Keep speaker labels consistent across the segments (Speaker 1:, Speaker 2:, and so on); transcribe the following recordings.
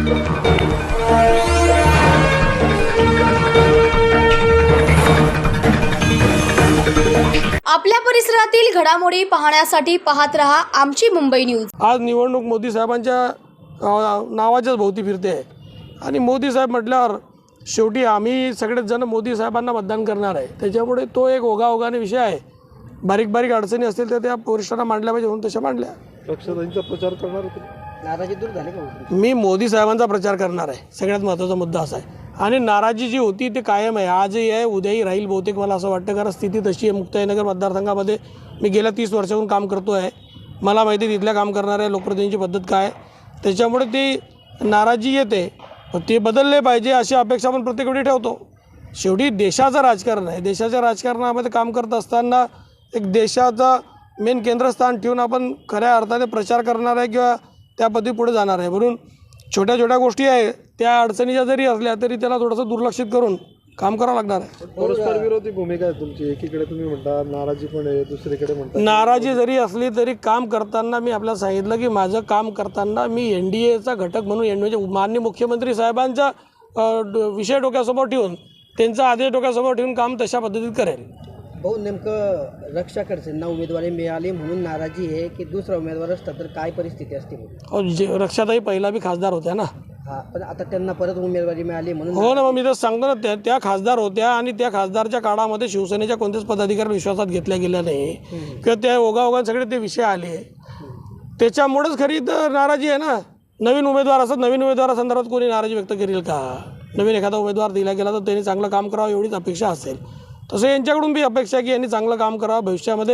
Speaker 1: आपल्या परिसरातील घडामोडी पाहण्यासाठी पाहत रहा आमची मुंबई न्यूज।
Speaker 2: आज निवडणूक मोदी साहेबांच्या नावाच्याच भोवती फिरते आहे आणि मोदी साहेब म्हटल्यावर शेवटी आम्ही सगळेच जण मोदी साहेबांना मतदान करणार आहे। त्याच्यामुळे तो एक ओघाओघाने विषय आहे। बारीक बारीक अडचणी असतील तर त्या वरिष्ठांना मांडल्या पाहिजे म्हणून तशा मांडल्या।
Speaker 3: पक्षांचा प्रचार करणार होते, नाराजी दूर झाली का?
Speaker 2: मी मोदी साहेबांचा प्रचार करणार आहे। सगळ्यात महत्त्वाचा मुद्दा असा आहे आणि नाराजी जी होती ती कायम आहे, आजही आहे, उद्याही राहील बहुतेक मला असं वाटतं। कारण स्थिती तशी आहे। मुक्ताईनगर मतदारसंघामध्ये मी गेल्या 30 वर्षाहून काम करतो आहे। मला माहिती आहे तिथल्या काम करणाऱ्या लोकप्रतिनिधींची पद्धत काय, त्याच्यामुळे ती नाराजी येते, ते बदलले पाहिजे अशी अपेक्षा आपण प्रत्येक वेळी ठेवतो। शेवटी देशाचं राजकारण आहे। देशाच्या राजकारणामध्ये काम करत असताना एक देशाचा मेन केंद्रस्थान ठेवून आपण खऱ्या अर्थाने प्रचार करणार आहे किंवा त्या पद्धती पुढे जाणार आहे। म्हणून छोट्या छोट्या गोष्टी आहे त्या अडचणीच्या जरी असल्या तरी त्याला थोडंसं दुर्लक्षित करून काम करावं लागणार आहे।
Speaker 3: परस्पर विरोधी भूमिका आहे तुमची। एकीकडे तुम्ही म्हणता नाराजी पण आहे, दुसरीकडे म्हणता
Speaker 2: नाराजी जरी असली तरी काम करताना मी आपल्याला सांगितलं की माझं काम करताना मी NDAचा घटक म्हणून म्हणजे माननीय मुख्यमंत्री साहेबांचा विषय डोक्यासमोर ठेवून त्यांचा आदेश डोक्यासमोर ठेवून काम तशा पद्धतीत करेल।
Speaker 4: भाऊ, नेमकं रक्षा खडसेंना उमेदवारी मिळाली म्हणून नाराजी आहे की दुसरा उमेदवार असता तर काय परिस्थिती असते?
Speaker 2: रक्षाताई पहिला बी खासदार होत्या ना।
Speaker 4: हा, पण आता त्यांना परत उमेदवारी मिळाली म्हणून
Speaker 2: हो ना, मग मी तर सांगतो ना, त्या खासदार होत्या आणि त्या खासदारच्या काळामध्ये शिवसेनेच्या कोणत्याच पदाधिकारी विश्वासात घेतल्या गेल्या नाही किंवा त्या ओघाओघात सगळे ते विषय आले, त्याच्यामुळेच खरी तर नाराजी आहे ना। नवीन उमेदवार असतात, नवीन उमेदवारासंदर्भात कोणी नाराजी व्यक्त करेल का? नवीन एखादा उमेदवार दिला गेला तर त्यांनी चांगलं काम करावं एवढीच अपेक्षा असेल। तसं यांच्याकडून बी अपेक्षा आहे की यांनी चांगलं काम करावं भविष्यामध्ये।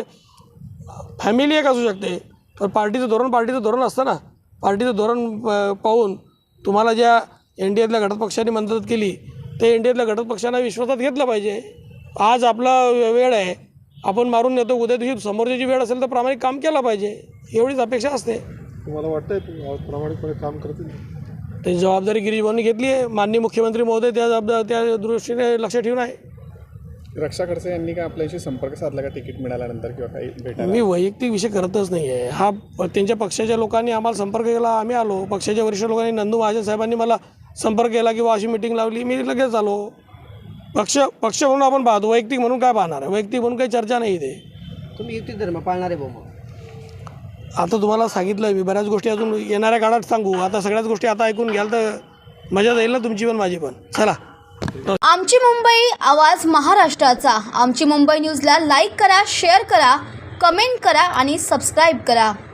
Speaker 2: फॅमिली एक असू शकते तर पार्टीचं धोरण असतं ना। पार्टीचं धोरण पाहून तुम्हाला ज्या NDAतल्या घटक पक्षांनी मदत केली ते NDAतल्या घटक पक्षांना विश्वासात घेतलं पाहिजे। आज आपला वेळ आहे, आपण मारून नेतो, उद्या दिवशी समोरची वेळ असेल तर प्रामाणिक काम केलं पाहिजे, एवढीच अपेक्षा असते।
Speaker 3: तुम्हाला वाटतंय प्रामाणिकपणे काम करतील?
Speaker 2: त्याची जबाबदारी गिरीशभाऊंनी घेतली आहे। माननीय मुख्यमंत्री महोदय त्या दृष्टीने लक्ष ठेवून आहे।
Speaker 5: रक्षा खडसे यांनी काय आपल्याशी संपर्क साधला का तिकीट मिळाल्यानंतर किंवा काही भेटायला?
Speaker 2: मी वैयक्तिक विषय करतच नाही आहे हा। त्यांच्या पक्षाच्या लोकांनी आम्हाला संपर्क केला, आम्ही आलो। पक्षाच्या वरिष्ठ लोकांनी नंदू महाजन साहेबांनी मला संपर्क केला किंवा अशी मीटिंग लावली, मी लगेच आलो। पक्ष म्हणून आपण पाहतो, वैयक्तिक म्हणून काय पाहणार आहे? वैयक्तिक म्हणून काही चर्चा नाही इथे।
Speaker 4: तुम्ही युती धर्म पाळणार आहे भाऊ?
Speaker 2: आता तुम्हाला सांगितलं मी, बऱ्याच गोष्टी अजून येणाऱ्या काळात सांगू। आता सगळ्याच गोष्टी आता ऐकून घ्याल तर मजा जाईल ना तुमची पण माझी पण। चला,
Speaker 1: आमची मुंबई, आवाज महाराष्ट्राचा। आमची मुंबई न्यूजला लाईक करा, शेअर करा, कमेंट करा आणि सबस्क्राईब करा।